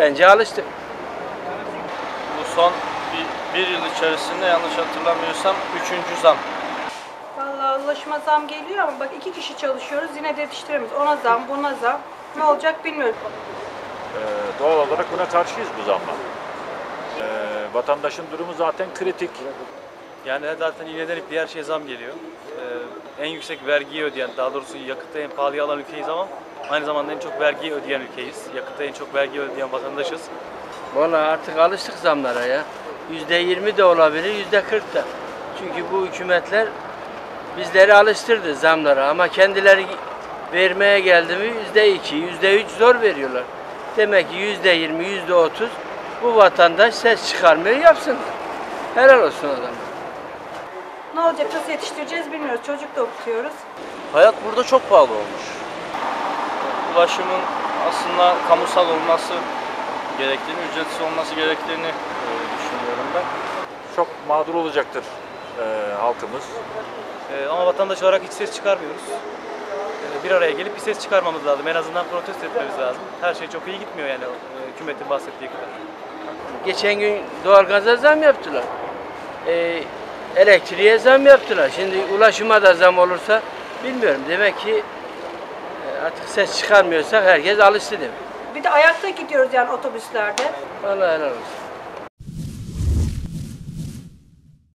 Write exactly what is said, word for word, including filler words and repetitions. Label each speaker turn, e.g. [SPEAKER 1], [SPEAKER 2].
[SPEAKER 1] Bence alıştık.
[SPEAKER 2] Bu son bir, bir yıl içerisinde yanlış hatırlamıyorsam üçüncü zam.
[SPEAKER 3] Vallahi ulaşıma zam geliyor ama bak iki kişi çalışıyoruz yine de yetiştiremiyoruz. Ona zam, buna zam. Ne olacak bilmiyorum.
[SPEAKER 4] Ee, doğal olarak buna karşıyız bu zamma. Ee, vatandaşın durumu zaten kritik.
[SPEAKER 2] Yani zaten iğneden ipliğe her şeye zam geliyor. Ee, en yüksek vergiyi ödeyen, daha doğrusu yakıtta en pahalıya alan ülkeyiz ama aynı zamanda en çok vergiyi ödeyen ülkeyiz. Yakıtta en çok vergi ödeyen vatandaşız.
[SPEAKER 1] Vallahi artık alıştık zamlara ya. Yüzde yirmi de olabilir, yüzde kırk da. Çünkü bu hükümetler bizleri alıştırdı zamlara ama kendileri vermeye geldi mi yüzde iki, yüzde üç zor veriyorlar. Demek ki yüzde yirmi, yüzde otuz bu vatandaş ses çıkarmıyor, yapsın. Helal olsun adam.
[SPEAKER 3] Ne olacak, nasıl yetiştireceğiz bilmiyoruz. Çocuk da okutuyoruz.
[SPEAKER 5] Hayat burada çok pahalı olmuş.
[SPEAKER 2] Ulaşımın aslında kamusal olması gerektiğini, ücretsiz olması gerektiğini e, düşünüyorum ben.
[SPEAKER 4] Çok mağdur olacaktır e, halkımız.
[SPEAKER 2] E, ama vatandaş olarak hiç ses çıkarmıyoruz. E, bir araya gelip bir ses çıkarmamız lazım. En azından protesto etmemiz lazım. Her şey çok iyi gitmiyor yani e, hükümetin bahsettiği kadar.
[SPEAKER 1] Geçen gün doğalgaza zam yaptılar. Ee, elektriğe zam yaptılar. Şimdi ulaşıma da zam olursa bilmiyorum. Demek ki e, artık ses çıkarmıyorsak herkes alıştı demek.
[SPEAKER 3] Bir de ayakta gidiyoruz yani otobüslerde.
[SPEAKER 1] Vallahi helal olsun.